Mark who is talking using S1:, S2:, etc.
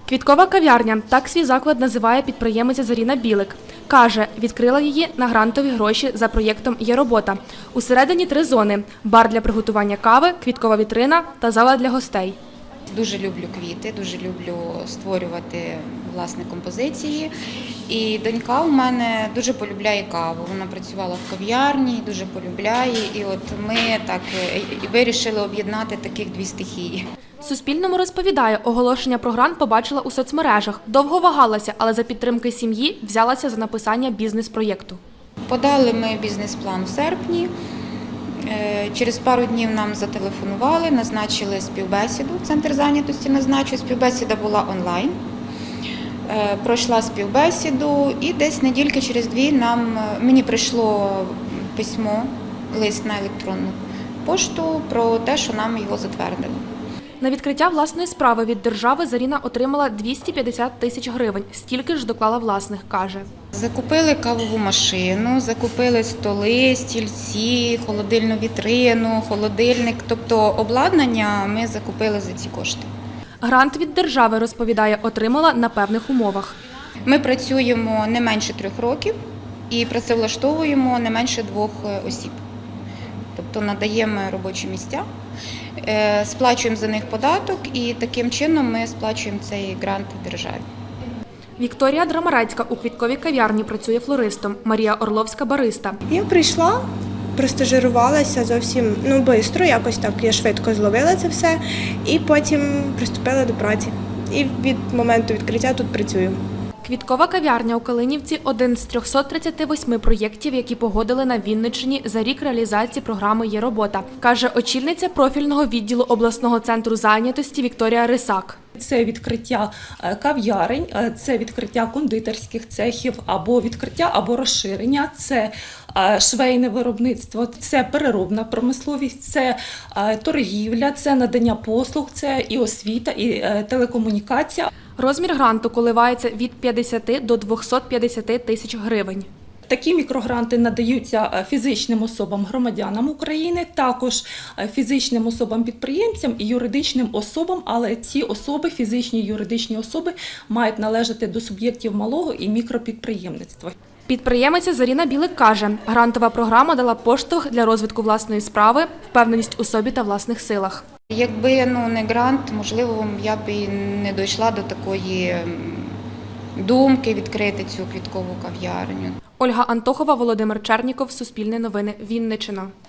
S1: Квіткова кав'ярня – так свій заклад називає підприємиця Заріна Білик. Каже, відкрила її на грантові гроші за проєктом «Є робота». Усередині 3 зони – бар для приготування кави, квіткова вітрина та зала для гостей.
S2: Дуже люблю квіти, дуже люблю створювати власне композиції. І донька у мене дуже полюбляє каву. Вона працювала в кав'ярні, дуже полюбляє. І от ми так вирішили об'єднати таких 2 стихії.
S1: Суспільному розповідає, оголошення про грант побачила у соцмережах. Довго вагалася, але за підтримки сім'ї взялася за написання бізнес-проєкту.
S2: Подали ми бізнес-план в серпні. Через пару днів нам зателефонували, назначили співбесіду. Центр зайнятості назначив. Співбесіда була онлайн. Пройшла співбесіду і десь недільки через 2 мені прийшло письмо, лист на електронну пошту про те, що нам його затвердили.
S1: На відкриття власної справи від держави Заріна отримала 250 тисяч гривень. Стільки ж доклала власних, каже.
S2: Закупили кавову машину, закупили столи, стільці, холодильну вітрину, холодильник. Тобто обладнання ми закупили за ці кошти.
S1: Грант від держави, розповідає, отримала на певних умовах.
S2: Ми працюємо не менше 3 років і працевлаштовуємо не менше 2 осіб. Тобто надаємо робочі місця, сплачуємо за них податок і таким чином ми сплачуємо цей грант державі.
S1: Вікторія Драмарецька у квітковій кав'ярні працює флористом, Марія Орловська – бариста.
S3: Я прийшла, простажирувалася зовсім швидко, якось так я швидко зловила це все і потім приступила до праці. І від моменту відкриття тут працюю.
S1: Квіткова кав'ярня у Калинівці – один з 338 проєктів, які погодили на Вінниччині за рік реалізації програми «Є робота», каже очільниця профільного відділу обласного центру зайнятості Вікторія Рисак.
S4: Це відкриття кав'ярень, це відкриття кондитерських цехів, або відкриття, або розширення, це швейне виробництво, це переробна промисловість, це торгівля, це надання послуг, це і освіта, і телекомунікація.
S1: Розмір гранту коливається від 50 до 250 тисяч гривень.
S4: Такі мікрогранти надаються фізичним особам-громадянам України, також фізичним особам-підприємцям і юридичним особам, але ці особи, фізичні і юридичні особи, мають належати до суб'єктів малого і мікропідприємництва.
S1: Підприємиця Заріна Білик каже, грантова програма дала поштовх для розвитку власної справи, впевненість у собі та власних силах.
S2: Якби не грант, можливо, я б і не дійшла до такої думки відкрити цю квіткову кав'ярню.
S1: Ольга Антохова, Володимир Черніков, Суспільне новини, Вінниччина.